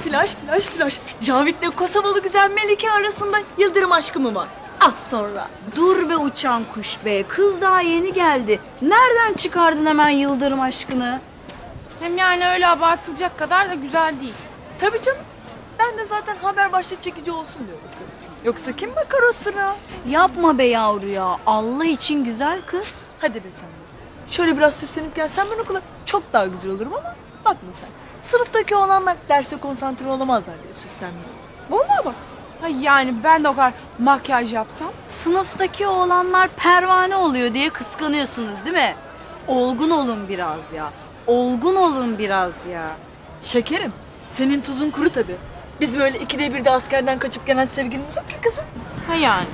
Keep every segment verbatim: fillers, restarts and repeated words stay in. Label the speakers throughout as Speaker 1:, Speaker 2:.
Speaker 1: Flash, flash, flash. Cavit'le Kosovalı güzel Melike arasında yıldırım aşkı mı var? Az sonra.
Speaker 2: Dur be uçan kuş be. Kız daha yeni geldi. Nereden çıkardın hemen yıldırım aşkını?
Speaker 3: Hem yani öyle abartılacak kadar da güzel değil.
Speaker 1: Tabii canım. Ben de zaten haber başlığı çekici olsun diye söylüyorum. Yoksa kim bakar o sıra?
Speaker 2: Yapma be yavru ya. Allah için güzel kız.
Speaker 1: Hadi be sen de. Şöyle biraz süslenip gelsen ben okula çok daha güzel olurum ama bakma sen. Sınıftaki olanlar derse konsantre olamazlar diye süslenmiyor. Vallahi bak.
Speaker 3: Ha yani ben de o kadar makyaj yapsam.
Speaker 2: Sınıftaki oğlanlar pervane oluyor diye kıskanıyorsunuz değil mi? Olgun olun biraz ya. Olgun olun biraz ya.
Speaker 1: Şekerim, senin tuzun kuru tabii. Biz böyle ikide bir de askerden kaçıp gelen sevgilimiz yok ki kızım.
Speaker 3: Ha yani.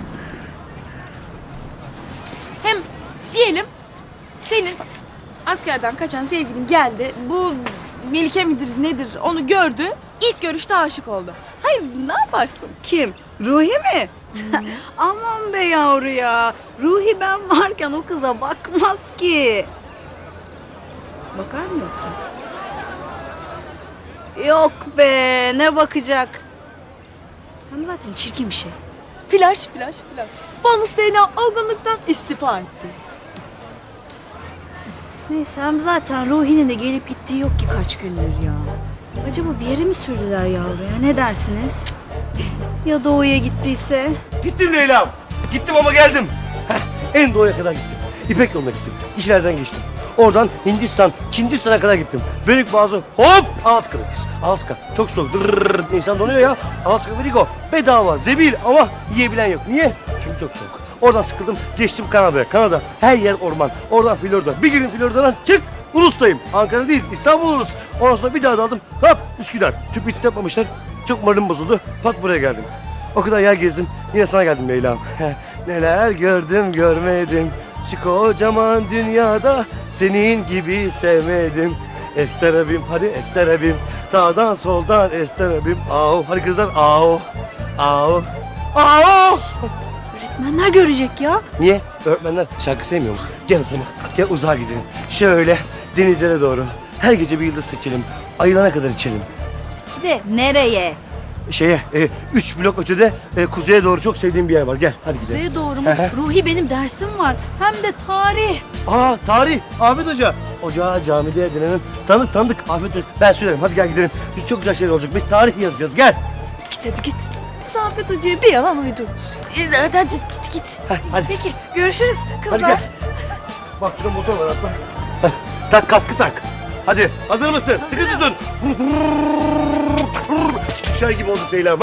Speaker 3: Hem diyelim senin askerden kaçan sevgilin geldi. Bu Melike midir nedir onu gördü. İlk görüşte aşık oldu. Hayır ne yaparsın?
Speaker 2: Kim? Ruhi mi? Aman be yavru ya. Ruhi ben varken o kıza bakmaz ki. Bakar mı yoksa? Yok be ne bakacak? Hem zaten çirkin bir şey.
Speaker 1: Flash, flash, flash. Bonus D N A algınlıktan istifa etti.
Speaker 2: Neyse hem zaten Ruhi'nin de gelip gittiği yok ki kaç gündür ya. Acaba bir yere mi sürdüler yavru ya? Ne dersiniz? Ya doğuya gittiyse?
Speaker 4: Gittim Leyla'm. Gittim ama geldim. Heh, en doğuya kadar gittim. İpek yoluna gittim. İşlerden geçtim. Oradan Hindistan, Çindistan'a kadar gittim. Bölük bazı hop Alaska'dayız. Alaska çok soğuk. Dırrrr, insan donuyor ya. Alaska Verigo bedava, zebil ama yiyebilen yok. Niye? Çünkü çok soğuk. Oradan sıkıldım, geçtim Kanada'ya. Kanada her yer orman. Oradan Florida. Bir gün Florida'dan çık. Ulus'tayım. Ankara değil, İstanbul Ulus. Ondan sonra bir daha daldım. Hop Üsküdar. Tüp bitti yapmamışlar. Çok moralim bozuldu. Pat buraya geldim. O kadar yer gezdim. Yine sana geldim Leyla'm. Neler gördüm görmedim. Şu kocaman dünyada senin gibi sevmedim. Ester abim hadi Ester abim. Sağdan soldan Ester abim. Au hadi kızlar au. Au. Au.
Speaker 2: Öğretmenler görecek ya.
Speaker 4: Niye? Öğretmenler şarkı sevmiyor mu? Gel o zaman. Gel uzağa gidelim. Şöyle denizlere doğru. Her gece bir yıldız seçelim. Ayılana kadar içelim.
Speaker 2: De nereye?
Speaker 4: Şeye, e, üç blok ötede e, kuzeye doğru çok sevdiğim bir yer var. Gel hadi gidelim.
Speaker 2: Kuzeye doğru mu? Ruhi benim dersim var. Hem de tarih.
Speaker 4: Aa tarih. Afet Hoca. Hoca camide edinenin tanıdık tanıdık. Afet Hoca. Ben söylerim. Hadi gel gidelim. Çok güzel şeyler olacak. Biz tarih yazacağız. Gel.
Speaker 1: Git hadi git. Biz Afet Hoca'ya bir yalan uydururuz.
Speaker 3: Hadi hadi git git.
Speaker 4: Heh, hadi.
Speaker 2: Peki görüşürüz kızlar.
Speaker 4: Hadi gel. Bak şurada motor var atla. Heh, tak kaskı tak. Hadi hazır mısın? Sıkı tutun. Düşer gibi oldu Leyla'm.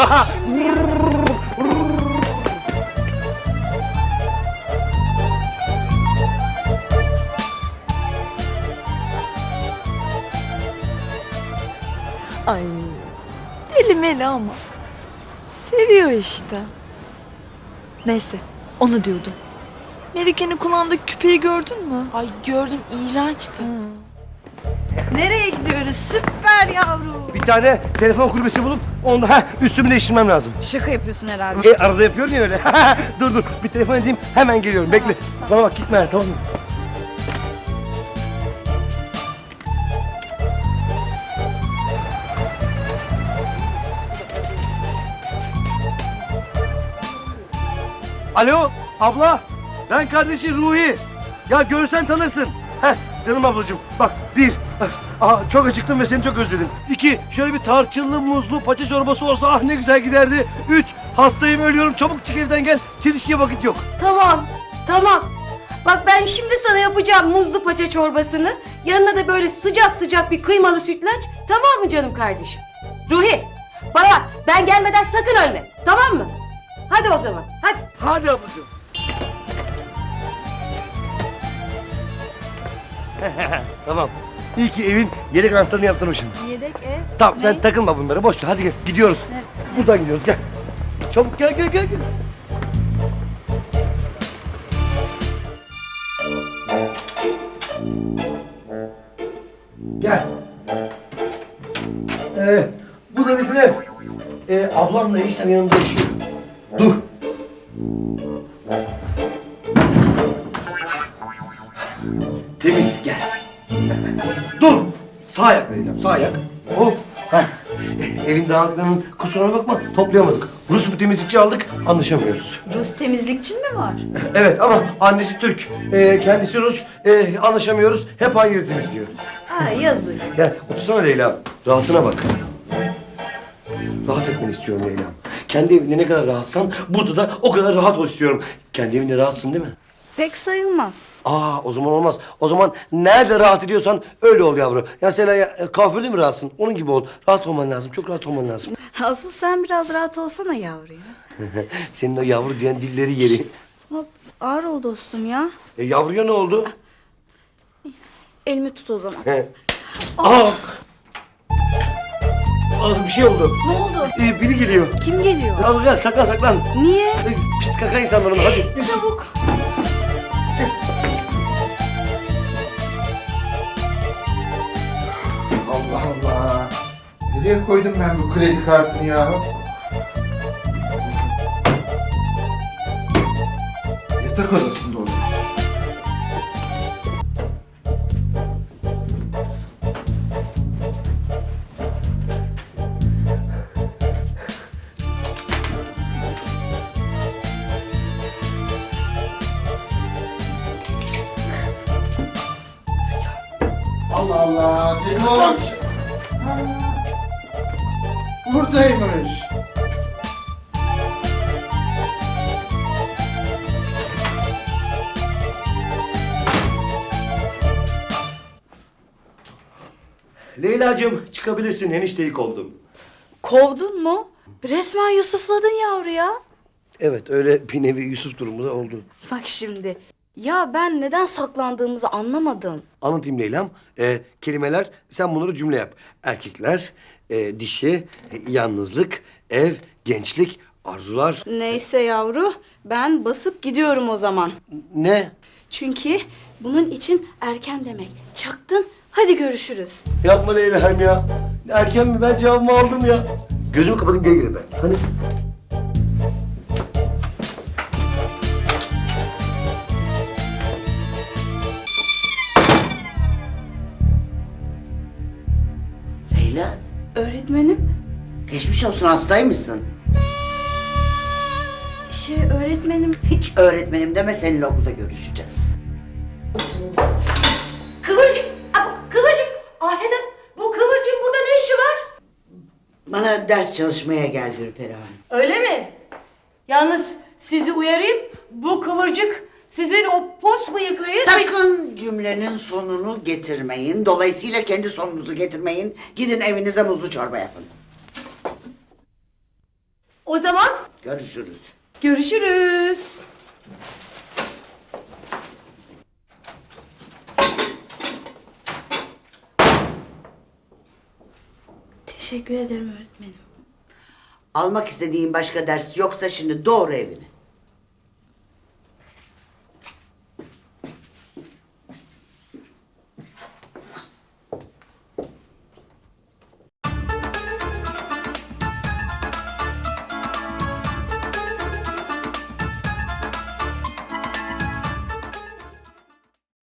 Speaker 1: Ay deli meli ama. Seviyor işte. Neyse onu diyordum. Melike'nin kulağındaki küpeyi gördün mü?
Speaker 3: Ay gördüm iğrençti.
Speaker 2: Nereye gidiyoruz? Süper yavru.
Speaker 4: Bir tane telefon kulübesi bulup onda heh, üstümü değiştirmem lazım.
Speaker 2: Şaka yapıyorsun herhalde.
Speaker 4: E, arada yapıyorum ya öyle. dur dur bir telefon edeyim hemen geliyorum bekle. Bana bak gitme tamam mı? Alo abla ben kardeşi Ruhi. Ya görsen tanırsın. Heh canım ablacığım bak bir aa, çok acıktım ve seni çok özledim. İki şöyle bir tarçınlı muzlu paça çorbası olsa ah ne güzel giderdi. Üç hastayım ölüyorum çabuk çık evden gel. Çelişkiye vakit yok.
Speaker 5: Tamam, tamam. Bak ben şimdi sana yapacağım muzlu paça çorbasını. Yanına da böyle sıcak sıcak bir kıymalı sütlaç. Tamam mı canım kardeşim? Ruhi, bana bak, ben gelmeden sakın ölme. Tamam mı? Hadi o zaman, hadi.
Speaker 4: Hadi ablacığım. Tamam. İyi ki evin yedek anahtarını yaptırmışım.
Speaker 2: Yedek ev.
Speaker 4: Tamam sen takılma bunlara boş ver hadi gel gidiyoruz. Buradan gidiyoruz gel. Çabuk gel gel gel. gel. Gel. Ee, bu da bizim ev. Ee, ablamla eniştem yanımda yaşıyor. Dur. Temiz gel. Dur. Sağ ayak vereceğim sağ ayak. Hop. Heh. evin dağınıklığının kusuruna bakma toplayamadık. Rus bir temizlikçi aldık anlaşamıyoruz.
Speaker 2: Rus temizlikçin mi var?
Speaker 4: Evet ama annesi Türk, ee, kendisi Rus, ee, anlaşamıyoruz. Hep aynı yeri temizliyor.
Speaker 2: Ha yazık.
Speaker 4: Gel otursana Leyla, rahatına bak. Rahat etmeni istiyorum Leyla. Kendi evinde ne kadar rahatsan burada da o kadar rahat ol istiyorum. Kendi evinde rahatsın değil mi?
Speaker 2: Pek sayılmaz.
Speaker 4: Aa o zaman olmaz. O zaman nerede rahat ediyorsan öyle ol yavru. Ya mesela ya, kuaförde mi rahatsın? Onun gibi ol. Rahat olman lazım. Çok rahat olman lazım.
Speaker 2: Asıl sen biraz rahat olsana yavru ya.
Speaker 4: Senin o yavru diyen dilleri yeri.
Speaker 2: Hop, ağır ol dostum ya.
Speaker 4: E, yavruya ne oldu?
Speaker 2: Elimi tut o zaman.
Speaker 4: He. Aa! Aa, bir şey oldu.
Speaker 2: Ne oldu?
Speaker 4: Ee, biri geliyor.
Speaker 2: Kim geliyor?
Speaker 4: Al gel saklan saklan.
Speaker 2: Niye?
Speaker 4: Ee, pis kaka insanların hadi.
Speaker 2: Çabuk.
Speaker 6: Allah Allah. Nereye koydum ben bu kredi kartını ya? Yatak odasında olur. Allah Allah. Telefon. Ha, buradaymış.
Speaker 4: Leyla'cığım çıkabilirsin. Enişteyi kovdum.
Speaker 2: Kovdun mu? Resmen Yusufladın yavru ya.
Speaker 4: Evet öyle bir nevi Yusuf durumu da oldu.
Speaker 2: Bak şimdi. Ya ben neden saklandığımızı anlamadım.
Speaker 4: Anlatayım Leyla'm. Ee, kelimeler sen bunları cümle yap. Erkekler, e, dişi, e, yalnızlık, ev, gençlik, arzular.
Speaker 2: Neyse yavru, ben basıp gidiyorum o zaman.
Speaker 4: Ne?
Speaker 2: Çünkü bunun için erken demek. Çaktın, hadi görüşürüz.
Speaker 4: Yapma Leyla'm ya. Erken mi? Ben cevabımı aldım ya. Gözümü kapatayım gel ben. Hani?
Speaker 7: Leyla,
Speaker 2: Öğretmenim,
Speaker 7: geçmiş olsun, hastaymışsın.
Speaker 2: şey öğretmenim.
Speaker 7: Hiç öğretmenim deme, seninle okulda görüşeceğiz.
Speaker 5: Kıvırcık, Aa, Kıvırcık. Afet Hanım, bu Kıvırcık'ın burada ne işi var?
Speaker 7: Bana ders çalışmaya geldi Ürperi Hanım.
Speaker 5: Öyle mi? Yalnız sizi uyarayım, bu Kıvırcık sizin o pos bıyıklıyı...
Speaker 7: Sakın cümlenin sonunu getirmeyin. Dolayısıyla kendi sonunuzu getirmeyin. Gidin evinize muzlu çorba yapın.
Speaker 5: O zaman
Speaker 7: Görüşürüz.
Speaker 5: görüşürüz.
Speaker 2: Teşekkür ederim öğretmenim.
Speaker 7: Almak istediğin başka ders yoksa şimdi doğru evine.